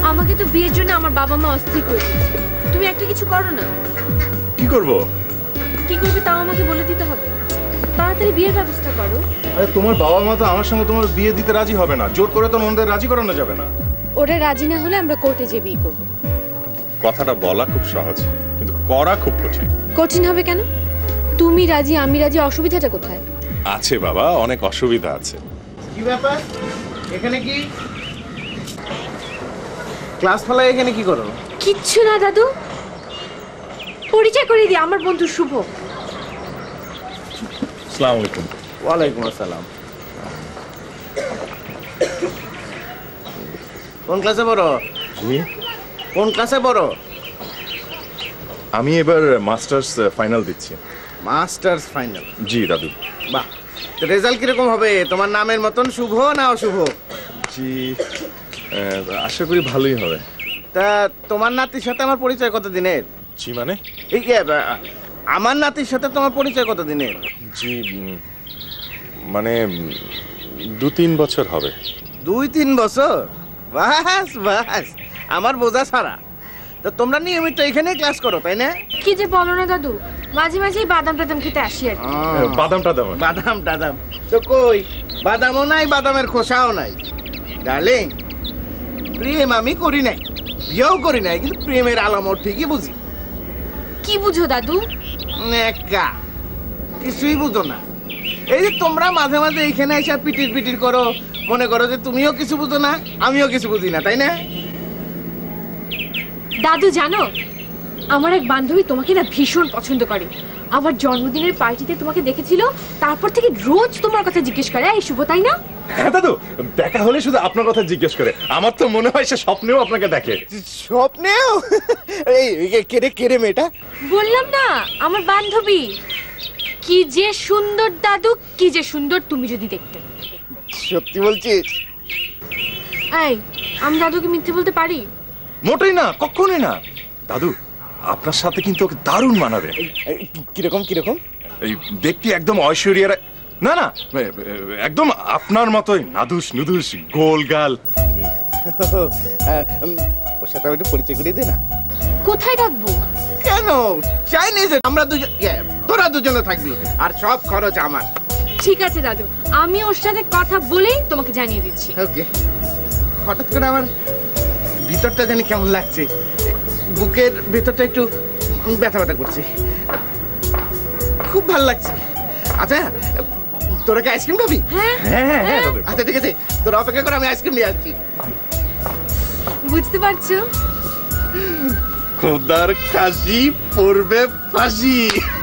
আমাকে তো বিয়ের জন্য আমার বাবা মা অস্থির করে দিয়েছে। তুমি একটা কিছু করো না। কি করব? কি করবে তাও আমাকে বলে দিতে হবে। তাড়াতাড়ি বিয়ের ব্যবস্থা করো। আরে তোমার বাবা মা তো আমার সঙ্গে তোমার বিয়ে দিতে রাজি হবে না, জোর করে তো ওনাদের রাজি করানো যাবে না। ওরা রাজি না হলে আমরা কোর্টে যেয়ে বিয়ে করবো। কথাটা বলা খুব সহজ, কিন্তু করা খুব কঠিন। কঠিন হবে কেন? তুমি রাজি আমি রাজি, অসুবিধাটা কোথায়? আছে বাবা, অনেক অসুবিধা আছে। কি ব্যাপার? এখানে কি ক্লাস ফলায়? এখানে কি করো? কিচ্ছু না দাদু, পরিচয় করে দিই, আমার বন্ধু শুভ। আসসালামু আলাইকুম। ওয়ালাইকুম আসসালাম। কোন ক্লাসে পড়ো? জি, কোন ক্লাসে পড়ো? আমি এবার মাস্টার্স ফাইনাল দিচ্ছি। Masters final? জি দাদু। বাহ, তো রেজাল্ট কিরকম হবে? তোমার নামের মতন শুভ না অশুভ? জি, আশা করি ভালোই হবে। তা তোমার নাতির সাথে আমার পরিচয় কত দিনের? জি মানে? এই আমার নাতির সাথে তোমার পরিচয় কত দিনের? জি, মানে 2-3 বছর হবে। 2-3 বছর? বাস বাস, আমার বোঝা ছাড়া। তো তোমরা নিয়মিত এখানেই ক্লাস করো তাই না? কি যে বলো না দাদু, মাঝে মাঝেই বাদাম টাদাম খেতে আসি আর কি। বাদাম টাদাম? বাদাম টাদাম তো কই, বাদামও নাই, বাদামের খোসাও নাই। ডার্লিং, প্রেম আমি করি নাই, বিয়েও করি নাই, কিন্তু প্রেমের আলামত ঠিকই বুঝি। কি বুঝো দাদু? নেকা, কিছুই বুঝো না। এই যে তোমরা মাঝে মাঝে এখানে এসে পিটির পিটির করো, মনে করো যে তুমিও কিছু বুঝো না আমিও কিছু বুঝি না, তাই না? দাদু জানো, আমার এক বান্ধবী তোমাকে না ভীষণ পছন্দ করে। আমার জন্মদিনের পার্টিতে তোমাকে দেখেছিল, তারপর থেকে রোজ তোমার কথা জিজ্ঞেস করে। এই শুভ, তাই না? হ্যাঁ দাদু, দেখা হলে শুধু আপনার কথা জিজ্ঞেস করে। আমার তো মনে হয় সে স্বপ্নেও আপনাকে দেখে। স্বপ্নেও? এই কেড়ে কেড়ে মেয়েটা? বললাম না, আমার বান্ধবী। কি যে সুন্দর দাদু, কি যে সুন্দর তুমি যদি দেখতে। সত্যি বলছিস? এই, আমি দাদুকে মিথ্যে বলতে পারি? মোটেই না, কখনোই না। দাদু, আপনার সাথে কিন্তু ওকে দারুণ মানাবে। কিরকম কিরকম? এই দেখতে একদম ঐশ্বরিয়া রায়। না না, একদম আপনার মতোই নাদুস নুদুস, গোল গাল। ওর সাথে একটু পরিচয় করিয়ে দে না। কোথায় রাখবো? কেন? চাইনিজ আমরা দুজন, তোরা দুজনে থাকবি, আর সব খরচ আমার। ঠিক আছে দাদু, আমি ওর সাথে কথা বলেই তোমাকে জানিয়ে দিচ্ছি। ওকে। হঠাৎ করে আমার ভিতরটা জানি কেমন লাগছে, বুকের ভিতরটা একটু ব্যথা ব্যথা করছে, খুব ভালো লাগছে। আচ্ছা, তোরা কি আইসক্রিম খাবি? হ্যাঁ হ্যাঁ হ্যাঁ দাদু। আচ্ছা ঠিক আছে, তোরা অপেক্ষা করে, আমি আইসক্রিম নিয়ে আসছি। বুঝতে পারছো? খোদার কাশি পড়বে ফাঁসি।